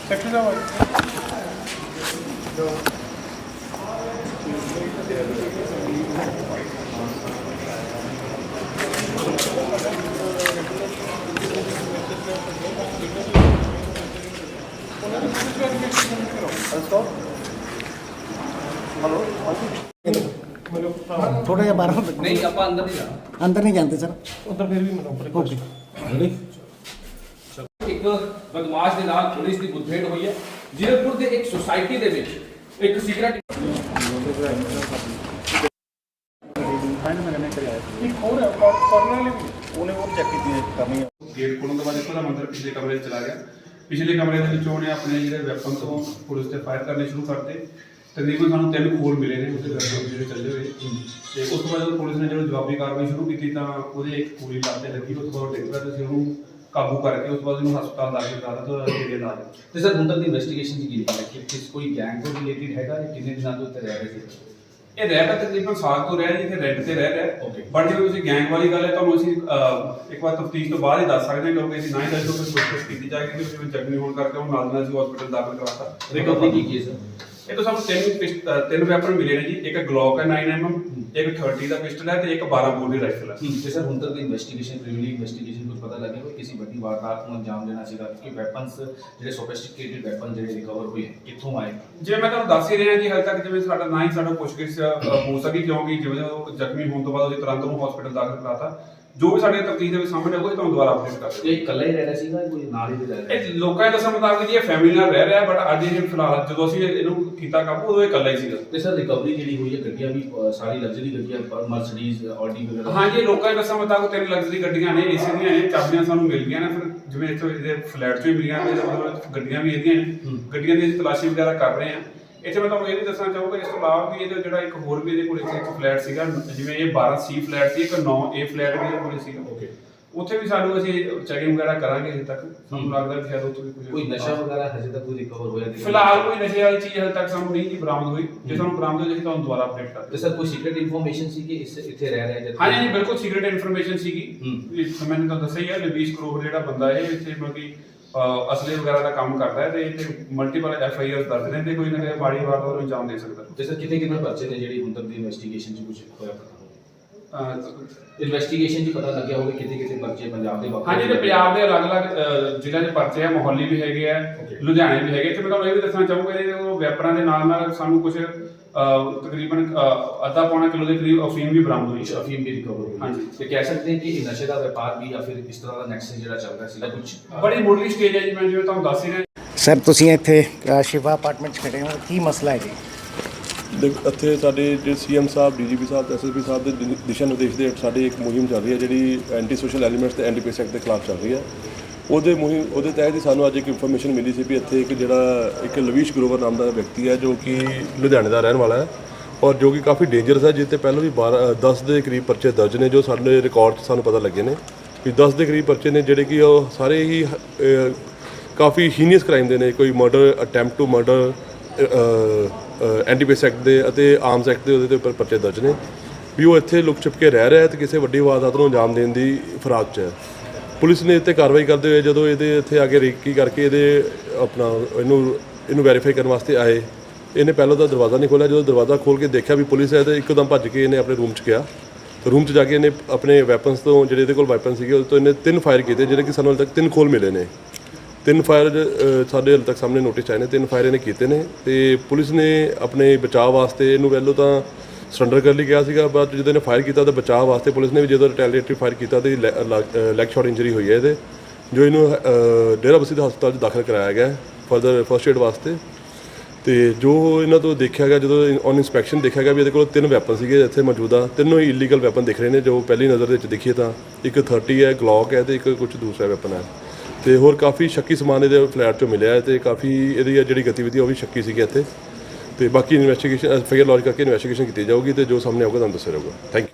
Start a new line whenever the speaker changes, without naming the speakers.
थोड़ा जिहा बाहर
नहीं आप
अंदर नहीं जानते सर
उधर फिर भी मतलब
ओके
एक बदमाश ਦੇ ਨਾਲ ਪੁਲਿਸ ਦੀ ਮੁੱਠਭੇੜ ਹੋਈ ਹੈ ਜੀਰਕਪੁਰ ਦੇ ਇੱਕ ਸੁਸਾਇਟੀ ਦੇ ਵਿੱਚ ਇੱਕ ਸਿਗਰਟ
गेट खोलने के बाद एक मंदिर पिछले कमरे चला गया। पिछले कमरे के उन्हें अपने जो वैपन तो पुलिस से फायर करने शुरू करते। तकरीबन सानू 3 खोल मिले ने उसके जो चले हुए तो उस बाद पुलिस ने जो जवाबी कार्रवाई शुरू की तो एक गोली लाते लगी उस बाद डिग पिया तो उन्होंने काबू करके उस बाद हस्पताल दाखिल करा तो जेरे इलाज
ਤੇ ਸਰ ਹੁਣ ਤੱਕ ਦੀ ਇਨਵੈਸਟੀਗੇਸ਼ਨ ਕੀ ਲਿਖਿਆ ਹੈ ਕਿ ਕਿਸ ਕੋਈ ਗੈਂਗ ਤੋਂ ਰਿਲੇਟਡ ਹੈਗਾ ਜਾਂ ਕਿੰਨੇ ਦਿਨਾਂ ਤੋਂ ਉੱਤੇ ਰਹਿ ਰਹੇ ਸੀ
ਇਹ ਰਹਿ ਤਾਂ ਤਕਰੀਬਨ ਸਾਲ ਤੋਂ ਰਹਿ ਜੀ ਤੇ ਰੈਂਟ ਤੇ ਰਹਿ ਰਿਹਾ
ਓਕੇ
ਬਟ ਜੇ ਤੁਸੀਂ ਗੈਂਗ ਵਾਲੀ ਗੱਲ ਹੈ ਤੁਹਾਨੂੰ ਅਸੀਂ ਇੱਕ ਵਾਰ ਤਫਤੀਸ਼ ਤੋਂ ਬਾਅਦ ਹੀ ਦੱਸ ਸਕਦੇ ਹਾਂ ਕਿਉਂਕਿ ਅਸੀਂ ਨਾ ਹੀ ਦੱਸੋ ਕਿ ਕੋਸ਼ਿਸ਼ ਕੀਤੀ ਜਾਏਗੀ ਕਿ ਜਿਵੇਂ ਜ਼ਖਮੀ ਹੋਣ ਕਰਕੇ ਉਹ ਨਾਲ ਅਸੀਂ ਹਸਪੀਟਲ ਦਾਖਲ ਕਰਾਤਾ
ਰਿਕਵਰੀ ਕੀ ਕੀ ਸਰ
ਇਹ ਤਾਂ ਸਾਨੂੰ ਤਿੰਨ ਵੈਪਨ ਮਿਲੇ ਨੇ ਜੀ ਇੱਕ ਗਲੌਕ ਹੈ 9mm ਇੱਕ 30 ਦਾ ਪਿਸਟਲ ਹੈ ਤੇ ਇੱਕ 12 ਬੋਰ ਦੀ ਰਾਈਫਲ ਹੈ
ਤੇ ਸਰ ਹੁਣ ਤੱਕ ਦੀ ਇਨਵੈਸਟੀਗੇਸ਼ਨ ਪ੍ਰੀਲਿਮਿਨਰੀ ਇਨਵੈਸਟੀਗੇਸ਼ਨ ਕੁਝ ਪਤਾ ਲੱਗਿਆ ਕੋਈ ਕਿਸੇ ਵੱਡੀ ਵਾਰਦਾਤ ਨੂੰ ਅੰਜਾਮ ਦੇਣਾ ਸੀਗਾ ਕਿ ਵੈਪਨਸ ਜਿਹੜੇ ਸੋਫਿਸਟੀਕੇਟਡ ਵੈਪਨ ਜਿਹੜੇ ਰਿਕਵਰ ਹੋਏ ਕਿੱਥੋਂ ਆਏ
ਜਿਵੇਂ ਮੈਂ ਤੁਹਾਨੂੰ ਦੱਸ ਹੀ ਰਿਹਾ ਜੀ ਹਾਲੇ ਤੱਕ ਜਿਵੇਂ ਸਾਡਾ ਨਾ ਹੀ ਸਾਡਾ ਪੁੱਛਗਿੱਛ ਹੋ ਸਕੀ ਕਿਉਂਕਿ ਜਿਵੇਂ ਉਹ ਜ਼ਖਮੀ ਹੋਣ ਤੋਂ ਬਾਅਦ ਅਸੀਂ ਤੁਰੰਤ ਉਹਨੂੰ ਹਸਪੀਟਲ ਦਾਖਲ ਕਰਾਤਾ ਜੋ ਵੀ ਸਾਡੇ ਤਫਤੀਸ਼ ਦੇ ਵਿੱਚ ਸਾਹਮਣੇ ਆਊਗਾ ਤੁਹਾਨੂੰ ਦੁਬਾਰਾ ਅਪਡੇਟ ਕਰ ਦਿਆਂਗੇ
ਇਹ ਇਕੱਲਾ ਹੀ ਰਹਿ ਰਿਹਾ ਸੀਗਾ ਕੋਈ ਨਾਲ ਹੀ ਰਹਿ ਰਿਹਾ
ਇਹ ਲੋਕਾਂ ਦੇ ਦੱਸਣ ਮੁਤਾਬਕ ਜੀ ਇਹ ਫੈਮਿਲੀ ਨਾਲ ਰਹਿ ਰਿਹਾ ਬਟ ਅੱਜ ਇਹ ਫਿਲਹਾਲ ਜਦੋਂ ਅਸੀਂ ਇਹਨੂੰ ਕੀਤਾ ਕਾਬੂ ਉਦੋਂ ਇਹ ਇਕੱਲਾ ਹੀ ਸੀਗਾ
ਤੇ ਸਰ ਰਿਕਵਰੀ ਜਿਹੜੀ ਹੋਈ ਹੈ ਗੱਡੀਆਂ ਵੀ ਸਾਰੀ ਲਗਜ਼ਰੀ ਗੱਡੀਆਂ ਮਰਸੀਡੀਜ਼ ਆਡੀ ਵਗੈਰਾ
ਹਾਂਜੀ ਲੋਕਾਂ ਦੇ ਦੱਸਣ ਮੁਤਾਬਕ 3 ਲਗਜ਼ਰੀ ਗੱਡੀਆਂ ਨੇ ਏਸੀ ਦੀਆਂ ਨੇ ਚਾਬੀਆਂ ਸਾਨੂੰ ਮਿਲ ਗਈਆਂ ਨੇ ਫਿਰ ਜਿਵੇਂ ਇੱਥੋਂ ਇਹਦੇ ਫਲੈਟ ਚੋਂ ਹੀ ਮਿਲੀਆਂ ਨੇ ਮਤਲਬ ਗੱਡੀਆਂ ਵੀ ਇਹਦੀਆਂ ਨੇ ਗੱਡੀਆਂ ਦੀ ਤਲਾਸ਼ੀ ਵਗੈਰਾ ਕਰ ਰਹੇ ਆ ਇੱਥੇ ਮੈਂ ਤੁਹਾਨੂੰ ਇਹ ਵੀ ਦੱਸਣਾ ਚਾਹੂੰਗਾ ਇਸ ਤੋਂ ਇਲਾਵਾ ਵੀ ਇਹਦਾ ਜਿਹੜਾ ਇੱਕ ਹੋਰ ਵੀ ਇਹਦੇ ਕੋਲ ਇੱਕ ਫਲੈਟ ਸੀਗਾ ਜਿਵੇਂ ਇਹ 12C ਫਲੈਟ ਸੀ ਇੱਕ 9A ਫਲੈਟ ਵੀ ਇਹਦੇ ਕੋਲ ਸੀਗਾ ਓਕੇ ਉੱਥੇ ਵੀ ਸਾਨੂੰ ਅਸੀਂ ਚੈਕਿੰਗ ਵਗੈਰਾ ਕਰਾਂਗੇ ਹਜੇ ਤੱਕ ਸਾਨੂੰ ਲੱਗਦਾ ਵੀ ਸ਼ਾਇਦ ਉੱਥੇ ਵੀ
ਕੋਈ ਨਸ਼ਾ ਵਗੈਰਾ ਹਜੇ ਤੱਕ ਕੋਈ ਰਿਕਵਰ ਹੋਇਆ ਨਹੀਂ
ਫਿਲਹਾਲ ਕੋਈ ਨਸ਼ੇ ਵਾਲੀ ਚੀਜ਼ ਹਜੇ ਤੱਕ ਸਾਨੂੰ ਨਹੀਂ ਬਰਾਮਦ ਹੋਈ ਜੇ ਸਾਨੂੰ ਬਰਾਮਦ ਹੋ ਜਾਏ ਤੁਹਾਨੂੰ ਦੁਬਾਰਾ ਅਪਡੇਟ ਕਰ
ਤੇ ਸਰ ਕੋਈ ਸੀਕ੍ਰੀਟ ਇਨਫੋਰਮੇਸ਼ਨ ਸੀ ਕਿ ਇੱਥੇ ਰਹਿ ਰਿਹਾ ਜਦ
ਹਾਂਜੀ ਬਿਲਕੁਲ ਸੀਕ੍ਰੀਟ ਇਨਫੋਰਮੇਸ਼ਨ ਸੀਗੀ ਮੈਨੂੰ ਤਾਂ ਦੱਸਿਆ ਹੀ ਹੈ ਲਵੀਸ਼ ਕਰੋਵਰ ਜਿਹੜਾ ਬੰਦਾ ਹੈ ਇੱਥੇ ਮਤਲਬ ਅਸਲੇ ਵਗੈਰਾ ਦਾ ਕੰਮ ਕਰਦਾ ਹੈ ਤੇ ਇੱਥੇ ਮਲਟੀਪਲ FIR ਦਰਜ ਨੇ ਤੇ ਕੋਈ ਨਾ ਕੋਈ ਮਾੜੀ ਵਾਰਦਾਤ ਨੂੰ ਅੰਜਾਮ ਦੇ ਸਕਦਾ
ਤੇ ਸਰ ਕਿੰਨੇ ਪਰਚੇ ਨੇ ਜਿਹੜੀ ਹੁਣ ਤੱਕ ਦੀ ਇਨਵੈਸਟੀਗੇਸ਼ਨ 'ਚ ਕੁਝ ਹੋਇਆ ਇਨਵੈਸਟੀਗੇਸ਼ਨ 'ਚ ਪਤਾ ਲੱਗਿਆ ਹੋਵੇ ਕਿਤੇ ਪਰਚੇ ਪੰਜਾਬ ਦੇ ਬਾਕੀ
ਹਾਂਜੀ ਤੇ ਪੰਜਾਬ ਦੇ ਅਲੱਗ-ਅਲੱਗ ਜ਼ਿਲ੍ਹਿਆਂ ਦੇ ਪਰਚੇ ਆ ਮੋਹਾਲੀ ਵੀ ਹੈਗੇ ਆ ਲੁਧਿਆਣੇ ਵੀ ਹੈਗੇ ਤੇ ਮੈਂ ਤੁਹਾਨੂੰ ਇਹ ਵੀ ਦੱਸਣਾ ਚਾਹੂੰਗਾ ਇਹਦੇ ਵੈਪਰਾਂ ਦੇ ਨਾਲ ਸਾਨੂੰ ਕੁਝ ਤਕਰੀਬਨ ਅੱਧਾ ਪੌਣਾ ਕਿਲੋ ਦੇ ਕਰੀਬ ਅਫੀਮ ਵੀ ਬਰਾਮਦ ਹੋਈ ਹੈ
ਅਫੀਮ ਵੀ ਰਿਕਵਰ ਹੋਈ
ਹਾਂਜੀ
ਤੇ ਕਹਿ ਸਕਦੇ ਹਾਂ ਕਿ ਇਹ ਨਸ਼ੇ ਦਾ ਵਪਾਰ ਵੀ ਜਾਂ ਫਿਰ ਇਸ ਤਰ੍ਹਾਂ ਦਾ ਨੈਕਸਸ ਜਿਹੜਾ ਚੱਲ ਰਿਹਾ ਸੀਗਾ ਕੁਝ
ਬੜੀ ਮੁੱਢਲੀ ਸਟੇਜ ਹੈ ਜੀ ਮੈਂ ਜਿਵੇਂ ਤੁਹਾਨੂੰ ਦੱਸ ਹੀ ਰਿਹਾ
ਸਰ ਤੁਸੀਂ ਇੱਥੇ ਸ਼ਿਵਾ ਅਪਾਰਟਮੈਂਟ 'ਚ ਖੜੇ ਹੋ ਕੀ ਮਸਲਾ ਹੈ ਜੀ
ਇੱਥੇ ਸਾਡੇ ਜਿਹੜੇ CM ਸਾਹਿਬ DGP ਸਾਹਿਬ SSP ਸਾਹਿਬ ਦੇ ਦਿਸ਼ਾ ਨਿਰਦੇਸ਼ ਦੇ ਸਾਡੇ ਇੱਕ ਮੁਹਿੰਮ ਚੱਲ ਰਹੀ ਹੈ ਜਿਹੜੀ ਐਂਟੀ ਸੋਸ਼ਲ ਐਲੀਮੈਂਟਸ ਤੇ ਐਂਟੀ ਪੈਸ ਐਕਟ ਦੇ ਖਿਲਾਫ ਚੱਲ ਰਹੀ ਹੈ ਉਹਦੇ ਤਹਿਤ ਹੀ ਸਾਨੂੰ ਅੱਜ ਇੱਕ ਇਨਫੋਰਮੇਸ਼ਨ ਮਿਲੀ ਸੀ ਵੀ ਇੱਥੇ ਇੱਕ ਲਵੀਸ਼ ਗਰੋਵਰ ਨਾਮ ਦਾ ਵਿਅਕਤੀ ਹੈ ਜੋ ਕਿ ਲੁਧਿਆਣੇ ਦਾ ਰਹਿਣ ਵਾਲਾ ਹੈ ਔਰ ਜੋ ਕਿ ਕਾਫੀ ਡੇਂਜਰਸ ਹੈ ਜਿਸ 'ਤੇ ਪਹਿਲਾਂ ਵੀ 10 ਦੇ ਕਰੀਬ ਪਰਚੇ ਦਰਜ ਨੇ ਜੋ ਸਾਡੇ ਰਿਕਾਰਡ 'ਚ ਸਾਨੂੰ ਪਤਾ ਲੱਗੇ ਨੇ ਕਿ 10 ਦੇ ਕਰੀਬ ਪਰਚੇ ਨੇ ਜਿਹੜੇ ਕਿ ਉਹ ਸਾਰੇ ਹੀ ਕਾਫੀ ਹੀਨੀਅਸ ਕ੍ਰਾਈਮ ਦੇ ਨੇ ਕੋਈ murder attempt to murder anti ਪੈਸ ਐਕਟ ਦੇ ਅਤੇ ਆਰਮਸ ਐਕਟ ਦੇ ਉਹਦੇ ਉੱਪਰ ਪਰਚੇ ਦਰਜ ਨੇ ਵੀ ਉਹ ਇੱਥੇ ਲੁਕ ਛਿਪ ਕੇ ਰਹਿ ਰਿਹਾ ਹੈ ਤੇ ਕਿਸੇ ਵੱਡੀ ਵਾਰਦਾਤ ਨੂੰ ਅੰਜਾਮ ਦੇਣ ਦੀ ਫਰਾਕ 'ਚ ਹੈ। ਪੁਲਿਸ ਨੇ ਇੱਥੇ ਕਾਰਵਾਈ ਕਰਦੇ ਹੋਏ ਜਦੋਂ ਇਹਦੇ ਇੱਥੇ ਆ ਕੇ ਰੇਕੀ ਕਰਕੇ ਇਹਨੂੰ ਵੈਰੀਫਾਈ ਕਰਨ ਵਾਸਤੇ ਆਏ ਇਹਨੇ ਪਹਿਲਾਂ ਤਾਂ ਦਰਵਾਜ਼ਾ ਨਹੀਂ ਖੋਲ੍ਹਿਆ ਜਦੋਂ ਦਰਵਾਜ਼ਾ ਖੋਲ੍ਹ ਕੇ ਦੇਖਿਆ ਵੀ ਪੁਲਿਸ ਹੈ ਤਾਂ ਇੱਕਦਮ ਭੱਜ ਕੇ ਇਹਨੇ ਆਪਣੇ ਰੂਮ 'ਚ ਗਿਆ ਰੂਮ 'ਚ ਜਾ ਕੇ ਇਹਨੇ ਆਪਣੇ ਵੈਪਨਸ ਤੋਂ ਜਿਹੜੇ ਇਹਦੇ ਕੋਲ ਵੈਪਨ ਸੀਗੇ ਉਹਦੇ ਤੋਂ ਇਹਨੇ 3 ਫਾਇਰ ਕੀਤੇ ਜਿਹੜੇ ਕਿ ਸਾਨੂੰ ਹਾਲੇ ਤੱਕ 3 ਖੋਲ ਮਿਲੇ ਨੇ 3 ਫਾਇਰ ਸਾਡੇ ਹਾਲੇ ਤੱਕ ਸਾਹਮਣੇ ਨੋਟਿਸ ਆਏ ਨੇ 3 ਫਾਇਰ ਇਹਨੇ ਕੀਤੇ ਨੇ ਤੇ ਪੁਲਿਸ ਨੇ ਆਪਣੇ ਬਚਾਅ ਵਾਸਤੇ ਇਹਨੂੰ ਪਹਿਲਾਂ ਤਾਂ ਸਰੈਂਡਰ ਕਰਨ ਲਈ ਕਿਹਾ ਸੀਗਾ ਬਾਅਦ ਜਦੋਂ ਇਹਨੇ ਫਾਇਰ ਕੀਤਾ ਤਾਂ ਬਚਾਅ ਵਾਸਤੇ ਪੁਲਿਸ ਨੇ ਵੀ ਜਦੋਂ ਰਿਟੈਲੀਏਟਰੀ ਫਾਇਰ ਕੀਤਾ ਤੇ ਲੈਗ ਸ਼ਾਟ ਇੰਜਰੀ ਹੋਈ ਹੈ ਇਹਦੇ ਜੋ ਇਹਨੂੰ ਡੇਰਾ ਬਸੀ ਦੇ ਹਸਪਤਾਲ 'ਚ ਦਾਖਲ ਕਰਾਇਆ ਗਿਆ ਫਰਦਰ ਫਸਟ ਏਡ ਵਾਸਤੇ ਤੇ ਜੋ ਇਹਨਾਂ ਤੋਂ ਦੇਖਿਆ ਗਿਆ ਜਦੋਂ ਔਨ ਇਨਸਪੈਕਸ਼ਨ ਦੇਖਿਆ ਗਿਆ ਵੀ ਇਹਦੇ ਕੋਲ 3 ਵੈਪਨ ਸੀਗੇ ਇੱਥੇ ਮੌਜੂਦਾ ਤਿੰਨੋਂ ਹੀ ਇਲੀਗਲ ਵੈਪਨ ਦਿਖ ਰਹੇ ਨੇ ਜੋ ਪਹਿਲੀ ਨਜ਼ਰ ਦੇ ਵਿੱਚ ਦੇਖੀਏ ਤਾਂ ਇੱਕ 30 ਹੈ ਗਲੌਕ ਹੈ ਤੇ ਇੱਕ ਕੁਝ ਦੂਸਰਾ ਵੈਪਨ ਹੈ ਤੇ ਹੋਰ ਕਾਫੀ ਸ਼ੱਕੀ ਸਮਾਨ ਇਹਦੇ ਫਲੈਟ 'ਚੋਂ ਮਿਲਿਆ ਤੇ ਕਾਫੀ ਇਹਦੀ ਜਿਹੜੀ ਗਤੀਵਿਧੀ ਉਹ ਵੀ ਸ਼ੱਕੀ ਸੀਗੀ ਇੱਥੇ ਤੇ ਬਾਕੀ ਇਨਵੈਸਟੀਗੇਸ਼ਨ FIR ਲੌਂਚ ਕਰਕੇ ਇਨਵੈਸਟੀਗੇਸ਼ਨ ਕੀਤੀ ਜਾਊਗੀ ਤੇ ਜੋ ਸਾਹਮਣੇ ਆਊਗਾ ਤੁਹਾਨੂੰ ਦੱਸਿਆ ਜਾਊਗਾ ਥੈਂਕ ਯੂ